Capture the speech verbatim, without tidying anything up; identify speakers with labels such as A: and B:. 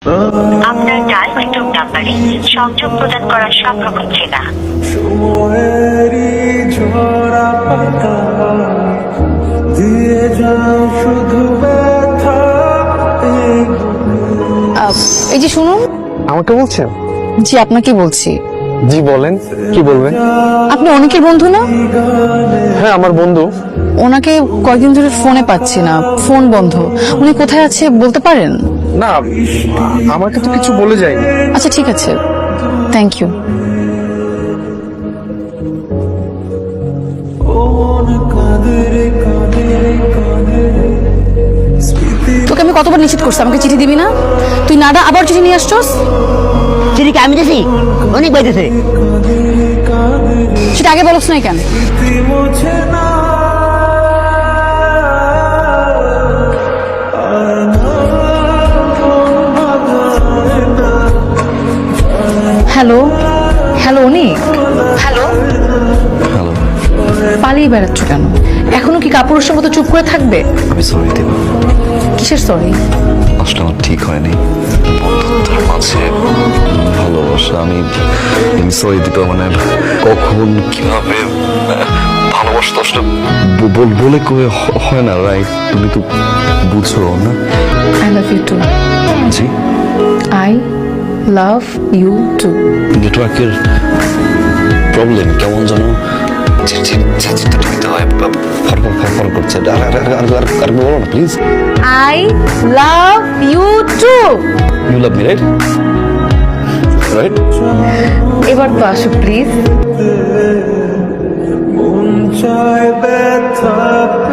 A: আপনার ডায়ালকৃত নাম্বারে সংযোগ প্রদান করা সম্ভব হচ্ছে না।
B: এই যে শুনুন।
C: আমাকে বলছেন?
B: জি আপনাকে বলছি।
C: জি বলেন, কি বলবেন?
B: আপনি অনেকের বন্ধু না?
C: হ্যাঁ আমার বন্ধু।
B: ওনাকে কয়েকদিন ধরে ফোনে পাচ্ছি না, ফোন বন্ধ। উনি কোথায় আছে বলতে পারেন?
C: না আমাকে তো কিছু বলে যায়নি।
B: আচ্ছা ঠিক আছে, থ্যাংক ইউ। তোকে আমি কতবার নিষেধ করছি আমাকে চিঠি দিবি না? তুই নাডা আবার চিঠি নিয়ে আসছস।
D: চিঠি আমি দিছি, অনেক বাইতেছে।
B: সেটা আগে বলছ না কেন? Hello hello Anik. Hello
E: hello,
B: পালিয়ে বেড়াচ্ছ কেন? এখনো কি কাপুরুষের মতো চুপ করে থাকবে?
E: আমি সরি দেব।
B: কিসের সরি?
E: আসলে আমার ঠিক হয়নি বন্ধুত্বের মাঝে ভালোবাসা। আমি আমি সরি দিতে মানে কখন কিভাবে ভালোবাসা তো আসলে ব- বল- বলে কয়ে হ- হয় না, রাইট? তুমি তো বুঝো না?
B: I love you too.
E: জি,
B: আই লাভ ইউ টু।
E: নেটওয়ার্কের প্রবলেম কেমন যেন চিঠিটা দিতে হয়, ফরফর ফরফর করছে। আর আর আর আর আর আর বলো না please.
B: I love you too.
E: You love me, right? Right?
B: এবার তো আসো প্লিজ।
F: মন চায় ব্যথা